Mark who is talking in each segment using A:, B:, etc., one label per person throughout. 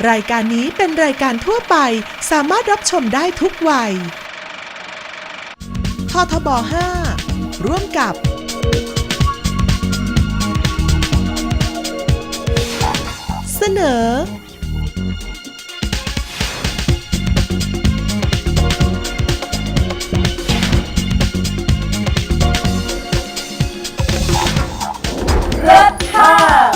A: รายการนี้เป็นรายการทั่วไปสามารถรับชมได้ทุกวัยททบ 5 ร่วมกับเสนอเลิศค่ะ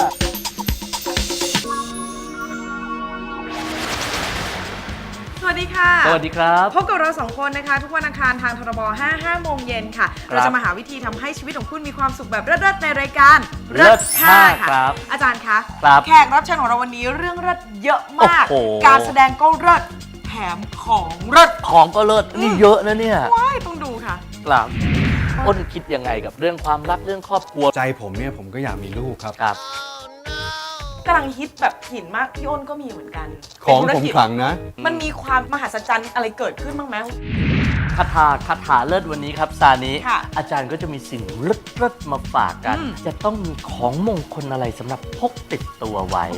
B: สวัสดีค่ะ
C: สวัสดีครับ
B: พบกับเรา2คนนะคะทุกวันอังคารทางททบ 5 โมงเย็นค่ะเราจะมาหาวิธีทำให้ชีวิตของคุณมีความสุขแบบเลิศๆในรายการ
C: เลิศค่ะครับ
B: อาจารย์คะ
C: ครับ
B: แขกรับเชิญของเราวันนี้เรื่องเลิศเยอะมาก
C: โอ้โห
B: การแสดงก็เลิศแถมของเลิศ
C: ของก็เลิศนี่เยอะนะเนี่ย
B: ว้ายต้องดูค่ะ
C: ครับอ้นคิดยังไงกับเรื่องความรักเรื่องครอบครัว
D: ใจผมเนี่ยผมก็อยากมีลูกครับ
C: ครับ
B: กำลังฮิตแบบหินมากพี่อ้นก็มีเหมือนกัน
D: ของ
B: เป็นธุร
D: ผม
B: กิจ
D: ขลังนะ
B: มันมีความมหัศจรรย์อะไรเกิดขึ้นบ้างไหม
C: คาถาเลิศวันนี้ครับซานิ
B: ค่ะ
C: อาจารย์ก็จะมีสิ่งเลิศมาฝากกัน จะต้องมีของมงคลอะไรสำหรับพกติดตัวไว้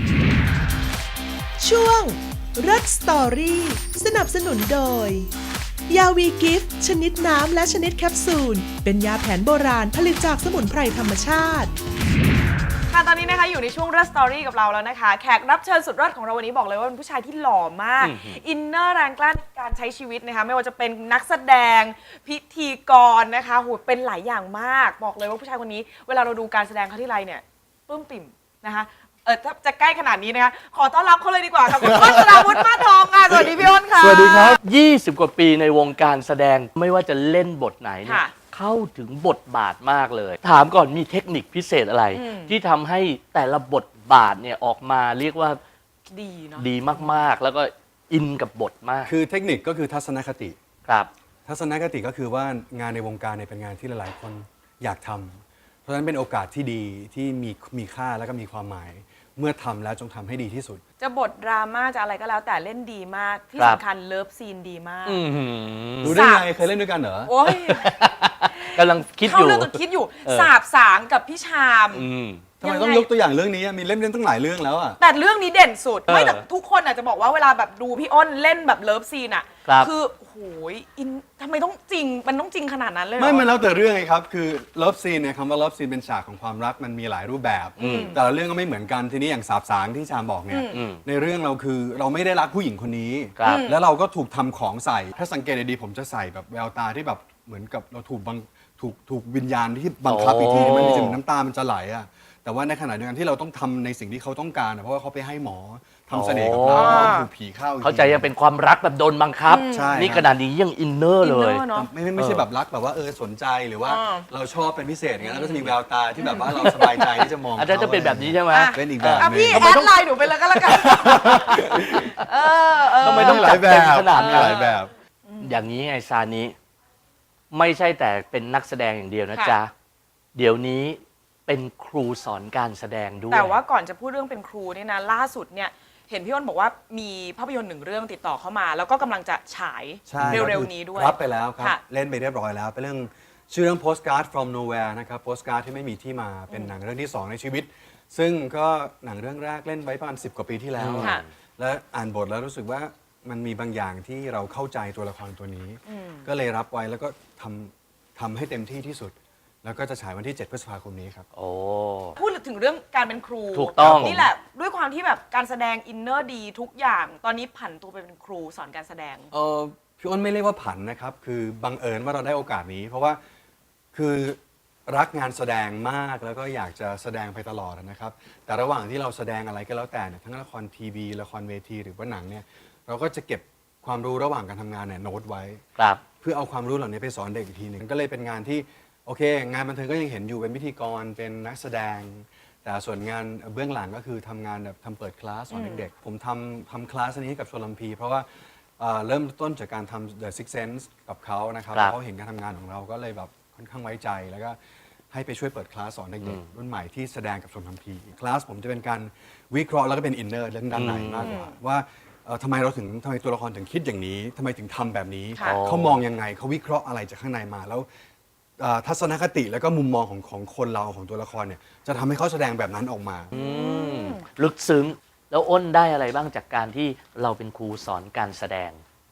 A: ช่วงเลิศสตอรี่สนับสนุนโดยยาวีกิฟต์ชนิดน้ำและชนิดแคปซูลเป็นยาแผนโบราณผลิตจากสมุนไพรธรรมชาติ
B: ค่ะตอนนี้นะคะอยู่ในช่วงเลิศสตอรี่กับเราแล้วนะคะแขกรับเชิญสุดยอดของเราวันนี้บอกเลยว่าเป็นผู้ชายที่หล่อมากอินเนอร์แรงกล้าในการใช้ชีวิตนะคะไม่ว่าจะเป็นนักแสดงพิธีกรนะคะโหเป็นหลายอย่างมากบอกเลยว่าผู้ชายคนนี้เวลาเราดูการแสดงเขาที่ไรเนี่ยปลื้มปิ่มนะคะถ้าจะใกล้ขนาดนี้นะคะขอต้อนรับเขาเลยดีกว่าค่ะคุณอ้นสราวุฒิมาสทองค่ะสวัสดีพี่อ้นค่ะ
D: สวัสดีครับ
C: 20 กว่าปีในวงการแสดงไม่ว่าจะเล่นบทไหนเนี่ย
B: ค่ะ
C: เข้าถึงบทบาทมากเลย ถามก่อนมีเทคนิคพิเศษอะไร ที่ทำให้แต่ละบทบาทเนี่ยออกมาเรียกว่า
B: ดีเนาะ
C: ดีมากๆ แล้วก็อินกับบทมาก
D: คือเทคนิคก็คือทัศนคติ
C: ครับ
D: ทัศนคติก็คือว่างานในวงการเนี่ยเป็นงานที่หลายๆคนอยากทำเพราะฉะนั้นเป็นโอกาสที่ดีที่มีค่าแล้วก็มีความหมาย เมื่อทำแล้วจงทำให้ดีที่สุด
B: จะบทดราม่าจะอะไรก็แล้วแต่เล่นดีมากที่
C: ครับ
B: สำคัญเลิฟซีนดีมาก
C: อื้อหือ
D: รู้ได้ไงเคยเล่นด้วยกันเหรอ
B: โอ้ย
C: กำลังคิดอ
B: เข้า
C: ยู่
B: เรื่องต้องคิดอยู่
C: เออ
B: สาบสางกับพี่ชาม
C: อืม
D: ทำไมต้องยกตัวอย่างเรื่องนี้อะมีเล่นตั้งหลายเรื่องแล้วอ่ะ
B: แต่เรื่องนี้เด่นสุด
C: เออ
B: ไม่แต่ทุกคนอาจจะบอกว่าเวลาแบบดูพี่อ้นเล่นแบบเลิฟซีนอ่ะ
C: ครับ
B: คือโหยอินทำไมต้องจริงมันต้องจริงขนาดนั้นเลยเหรอ
D: ไม่มันแล้วแต่เรื่องไงครับ คือเลิฟซีนเนี่ยคำว่าเลิฟซีนเป็นฉากของความรักมันมีหลายรูปแบบ แต่ละเรื่องก็ไม่เหมือนกันทีนี้อย่างสาบสางที่ชามบอกเนี่ย ในเรื่องเราคือเราไม่ได้รักผู้หญิงคนนี้
C: ครับ
D: แล้วเราก็ถูกทำของใส่ ถ้าสังเกตดีๆผมจะใส่แบบแววตาที่แบบเหมือนกับเราถูกวิญญาณที่บังคับอีกทีนึงมันมีถึงน้ำตามันจะไหลอะแต่ว่าในขณะเดียวกันที่เราต้องทำในสิ่งที่เขาต้องการอะเพราะว่าเขาไปให้หมอทำเสน่ห์กับเราแล้วก็ถูกผีเข้าอีกที
C: เข้าใจยังเป็นความรักแบบโดนบังคับ
D: ใช่
C: นี่ขนาดนี้ยังอินเนอร์เลย
B: อินเนอร์เนอะ
D: ไม่ใช่แบบรักแบบว่าสนใจหรือว่า
B: อ่า
D: เราชอบเป็นพิเศษอย่างเงี้ยแล้วก็จะมีแววตาที่แบบว่าเราสบายใจที่จะมอง
C: อาจารย์จะเป็นแบบนี้ใช่ไหม
D: เป็นอีกแบบ
B: อ่ะ
D: หนึ
B: พี่
D: ง
B: แอดไลน์หนูไปเลยก็แล้วกันเออ
C: ทำไมต้อง
D: หลายแบบ
C: จัดเต็มขนาดนั้น
D: หลายแบบ
C: อย่างนี้ไงซานิไม่ใช่แต่เป็นนักแสดงอย่างเดียวนะ
B: ค่ะ
C: จ๊ะ เดี๋ยวนี้เป็นครูสอนการแสดงด้วย
B: แต่ว่าก่อนจะพูดเรื่องเป็นครูเนี่ยนะล่าสุดเนี่ยเห็นพี่อ้นบอกว่ามีภาพยนตร์หนึ่งเรื่องติดต่อเข้ามา แล้วก็กำลังจะฉาย
D: ใช่
B: เร็วๆนี้ด้วย
D: รับไปแล้วครับ
B: ค่ะ
D: เล่นไปเรียบร้อยแล้ว เป็นเรื่องชื่อเรื่อง postcard from nowhere นะครับ postcard ที่ไม่มีที่มาเป็นหนังเรื่องที่ 2 ในชีวิต ซึ่งก็หนังเรื่องแรกเล่นไว้ประมาณ10 กว่าปีที่แล้ว
B: ค่ะ
D: และอ่านบทแล้วรู้สึกว่ามันมีบางอย่างที่เราเข้าใจตัวละครตัวนี้ ก็เลยรับไว้แล้วก็ทำให้เต็มที่ที่สุด แล้วก็จะฉายวันที่ 7 พฤษภาคมนี้ครับ
C: โอ้
B: พูดถึงเรื่องการเป็นครู
C: ถูกต้อง
B: นี่แหละด้วยความที่แบบการแสดงอินเนอร์ดีทุกอย่าง ตอนนี้ผันตัวไปเป็นครูสอนการแสดง
D: พี่อ้นไม่เรียกว่าผันนะครับ คือบังเอิญว่าเราได้โอกาสนี้ เพราะว่าคือรักงานแสดงมากแล้วก็อยากจะแสดงไปตลอดนะครับ แต่ระหว่างที่เราแสดงอะไรก็แล้วแต่เนี่ยทั้งละครทีวีละครเวทีหรือว่าหนังเนี่ยเราก็จะเก็บความรู้ระหว่างการทำงานเนี่ยโน้ตไว้
C: ครับ
D: เพื่อเอาความรู้เหล่านี้ไปสอนเด็กอีกทีหนึ่งก็เลยเป็นงานที่โอเค งานบันเทิงก็ยังเห็นอยู่เป็นพิธีกรเป็นนักแสดง แต่ส่วนงานเบื้องหลังก็คือทำงานแบบทำเปิดคลาสสอนเด็กๆผมทำคลาสนี้ให้กับชลพีเพราะว่าเริ่มต้นจากการทำ The Six Sense กับเขานะครับ
C: ครับ
D: เขาเห็นการทำงานของเราก็เลยแบบค่อนข้างไว้ใจ แล้วก็ให้ไปช่วยเปิดคลาสสอนเด็กๆรุ่นใหม่ที่แสดงกับชลพีคลาสผมจะเป็นการวิเคราะห์แล้วก็เป็นอินเนอร์เรื่องด้านในมากกว่าว่าทำไมตัวละครถึงคิดอย่างนี้ทำไมถึงทำแบบนี้
B: ค่ะ
D: เขามองยังไงเขาวิเคราะห์อะไรจากข้างในมาแล้วทัศนคติแล้วก็มุมมองของคนเราของตัวละครเนี่ยจะทำให้เขาแสดงแบบนั้นออกมา
C: ลึกซึ้งแล้วอ้นได้อะไรบ้างจากการที่เราเป็นครูสอนการแสดง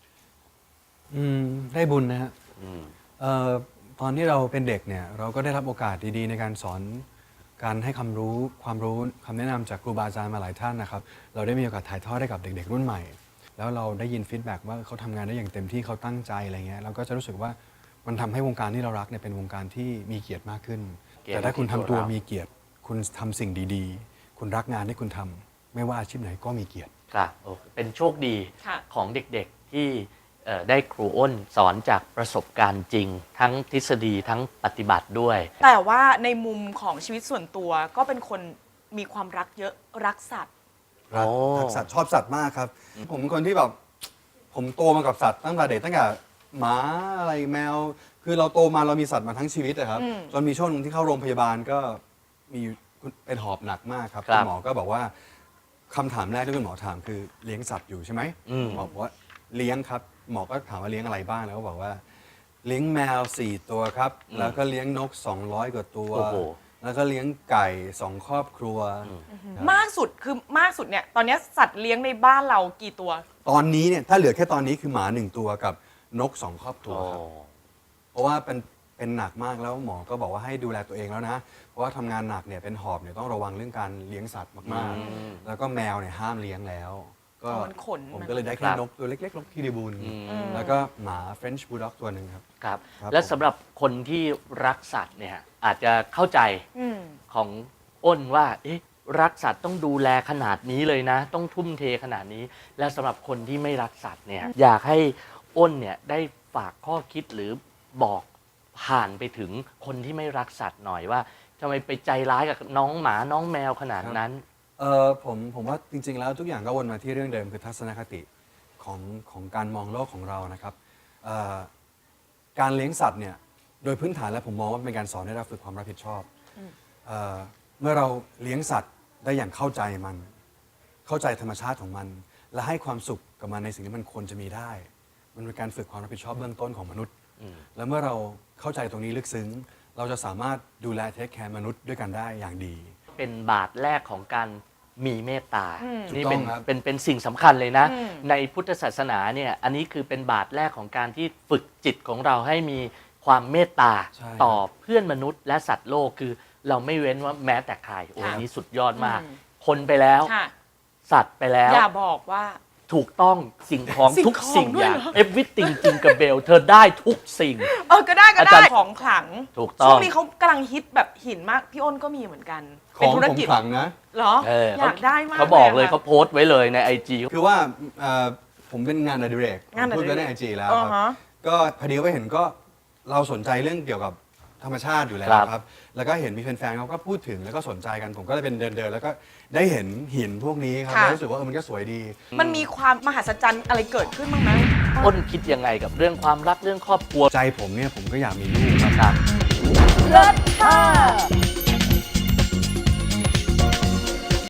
D: ได้บุญนะฮะ
C: อืม
D: ตอนที่เราเป็นเด็กเนี่ยเราก็ได้รับโอกาสดีๆในการสอนการให้ความรู้คำแนะนำจากครูบาอาจารย์มาหลายท่านนะครับเราได้มีโอกาสถ่ายทอดให้กับเด็กๆรุ่นใหม่ แล้วเราได้ยินฟีดแบ็กว่าเขาทำงานได้อย่างเต็มที่เขาตั้งใจอะไรเงี้ยเราก็จะรู้สึกว่ามันทำให้วงการที่เรารักเนี่ยเป็นวงการที่มีเกียรติมากขึ้น
C: เกียรติ
D: แต่ถ้าคุณทำตัว
C: ที่ตัวเรามี
D: มีเกียรติ คุณทำสิ่งดีๆ คุณรักงานที่คุณทำไม่ว่าอาชีพไหนก็มีเกียรติ
C: ครับโอ้เป็นโชคดี
B: ค่ะ
C: ของเด็กๆที่ได้ครูอ้นสอนจากประสบการณ์จริง ทั้งทฤษฎีทั้งปฏิบัติด้วย
B: แต่ว่าในมุมของชีวิตส่วนตัวก็เป็นคนมีความรักเยอะรักสัตว์
D: รัก
C: โอ้
D: รักสัตว์ชอบสัตว์มากครับ ผมเป็นคนที่แบบผมโตมากับสัตว์ตั้งแต่เด็กตั้งแต่หมาอะไรแมว คือเราโตมาเรามีสัตว์มาทั้งชีวิตนะครับ
B: อืม
D: จนมีช่วงหนึงที่เข้าโรงพยาบาลก็มีเป็นหอบหนักมากครับ
C: ครับ
D: ณหมอก็บอกว่าคำถามแรกที่คุณหมอถามคือเลี้ยงสัตว์อยู่ใช่ไหม
C: อืม
D: หมอบอกว่าเลี้ยงครับหมอก็ถามว่าเลี้ยงอะไรบ้างแล้วก็บอกว่า เลี้ยงแมว 4 ตัวครับ แล้วก็เลี้ยงนก 200 กว่าตัว
C: โอ้โห
D: แล้วก็เลี้ยงไก่2 ครอบครัวครับ
B: มากสุดคือมากสุดเนี่ยตอนนี้สัตว์เลี้ยงในบ้านเรากี่ตัว
D: ตอนนี้เนี่ยถ้าเหลือแค่ตอนนี้คือหมา1 ตัวกับนก 2 ครอบครัวครับ เพราะว่าเป็นหนักมากแล้วหมอก็บอกว่าให้ดูแลตัวเองแล้วนะ เพราะว่าทำงานหนักเนี่ยเป็นหอบเนี่ยต้องระวังเรื่องการเลี้ยงสัตว์มาก
C: อืม
D: ๆ แล้วก็แมวเนี่ยห้ามเลี้ยงแล้ว ก็
B: มันขน
D: ผม
B: มัน
D: ก็เลยได้
C: ค
D: แค่
C: รับ
D: นกตัวเล็กๆนกคิริบูล
C: อืม
D: แล้วก็หมา French Bulldog ตัวหนึ่งครับ
C: ครับ
D: ครับ
C: และ
D: ผม
C: สำหรับคนที่รักสัตว์เนี่ยอาจจะเข้าใจ
B: อืม
C: ของอ้นว่าเอ๊ะรักสัตว์ต้องดูแลขนาดนี้เลยนะ ต้องทุ่มเทขนาดนี้ และสำหรับคนที่ไม่รักสัตว์เนี่ยอยากให้อ้นเนี่ยได้ฝากข้อคิดหรือบอกผ่านไปถึงคนที่ไม่รักสัตว์หน่อยว่าทำไมไปใจร้ายกับน้องหมาน้องแมวขนาดนั้น
D: ผมว่าจริง ๆ แล้วทุกอย่างก็วนมาที่เรื่องเดิมคือทัศนคติของการมองโลกของเรานะครับเอ่อการเลี้ยงสัตว์เนี่ยโดยพื้นฐานแล้วผมมองว่าเป็นการสอนให้เราฝึกความรับผิดชอบเมื่อเราเลี้ยงสัตว์ได้อย่างเข้าใจมัน เข้าใจธรรมชาติของมัน และให้ความสุขกับมันในสิ่งที่มันควรจะมีได้ มันเป็นการฝึกความรับผิดชอบเบื้องต้นของมนุษย์ แล้วเมื่อเราเข้าใจตรงนี้ลึกซึ้ง เราจะสามารถดูแลเทคแคร์มนุษย์ด้วยกันได้อย่างดี
C: เป็นบาทแรกของการมีเมตตา นี่
D: ถูกต้
C: เป็
D: อน งครับ
C: เป็นสิ่งสำคัญเลยนะ
B: อืม
C: ในพุทธศาสนาเนี่ยอันนี้คือเป็นบาทแรกของการที่ฝึกจิตของเราให้มีความเมตตา
D: ใช่
C: ต่อเพื่อนมนุษย์และสัตว์โลกคือเราไม่เว้นว่าแม้แต่ใครโอ้ย
B: ค่ะ
C: อันนี้สุดยอดมาก
B: อืม
C: คนไปแล้ว
B: ค่ะ
C: สัตว์ไปแล้ว
B: อย่าบอกว่า
C: ถูกต้องสิ่งของ
B: สิ่ง
C: ทุก
B: ของ
C: สิ่ง
B: ด้วย
C: อย่าง
B: เหรอ
C: everything จริงกับเบลเธอได้ทุกสิ่ง
B: ก็ได้ก็
C: อา
B: ได้
C: จารย์
B: ของขลัง
C: ถูกต้อง
B: ช่วงนี้เขากำลังฮิตแบบหินมากพี่อ้นก็มีเหมือนกัน
D: ข
B: เป็น
D: อง
B: ธุร
D: ผม
B: กิจ
D: ขลังนะ
B: เหรอ อยากได้มาก
C: เขาบอกเลย
B: ะ
C: เขาโพสต์ไว้เลยใน IG
D: คือว่าผมเป็นงานอดิเรก
B: งานอดิเรก
D: พูดไปในไอจีแล้ว
B: อ่า
D: ค
B: ฮะ
D: รับก็พอดีว่าเห็นก็เราสนใจเรื่องเกี่ยวกับธรรมชาติอยู่แล้ว
C: ครับ
D: ครับ แล้วก็เห็นมีแฟนๆเขาก็พูดถึงแล้วก็สนใจกันผมก็เลยเป็นเดินๆแล้วก็ได้เห็นหินพวกนี้ครับ
B: ค่ะ
D: แล้วรู้สึกว่ามันก็สวยดี
B: มันมีความมหัศจรรย์อะไรเกิดขึ้นบ้างไหม
C: อ้นคิดยังไงกับเรื่องความรักเรื่องครอบครัว
D: ใจผมเนี่ยผมก็อยากมีลูกครับ
C: ครับ
B: เลิศค่ะ